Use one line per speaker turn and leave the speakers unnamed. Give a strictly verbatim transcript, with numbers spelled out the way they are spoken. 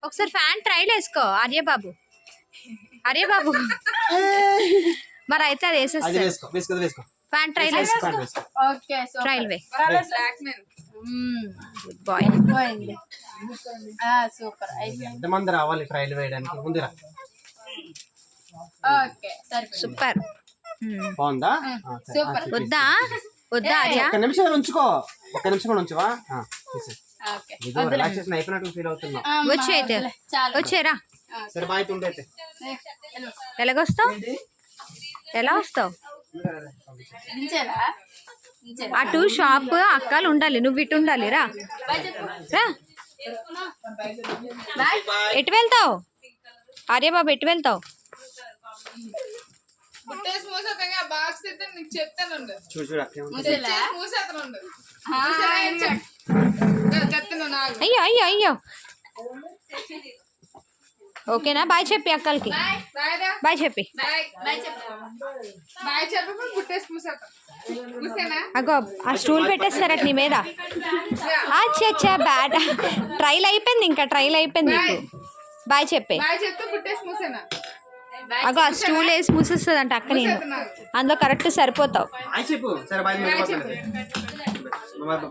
ఒకసారి fan trial వేసుకో ఆర్య బాబు ఆర్య బాబు మరి అయితే అది వేసేస్తా fan trail trail way good boy
super
ఎంతమంది రావాలి ట్రైల్ వేయడానికి ముందురా
సూపర్
బాగుందా
సూపర్
వద్దా వద్దా ఆర్య
ఒక్క నిమిషం ఉంచుకో ఒక్క నిమిషం కూడా ఉంచువా రిలాక్సేషన్ అయిపోయినట్టు ఫీల్ అవుతున్నా
వచ్చే అయితే వచ్చేరా
సరే బాయ్ ఉండైతే
ఎలాగొస్తావు ఎలా వస్తావు అటు షాప్ అక్కలు ఉండాలి నువ్వు ఇటు ఉండాలి రా రా ఎటు వెళ్తావు ఆర్యబాబు ఎటు వెళ్తావు అయ్యో అయ్యో అయ్యో ఓకేనా బాయ్ చెప్పి అక్కలకి బాయ్ చెప్పి అగో ఆ స్టూల్ పెట్టేస్తారట నీ మీద అచ్చా అచ్చా బ్యాడ్ ట్రైల్ అయిపోయింది ఇంకా ట్రైల్ అయిపోయింది నీకు బాయ్ చెప్పే అగో ఆ స్టూల్ వేసి మూసేస్తుంది అంట అక్క నేను అందులో కరెక్ట్ సరిపోతావు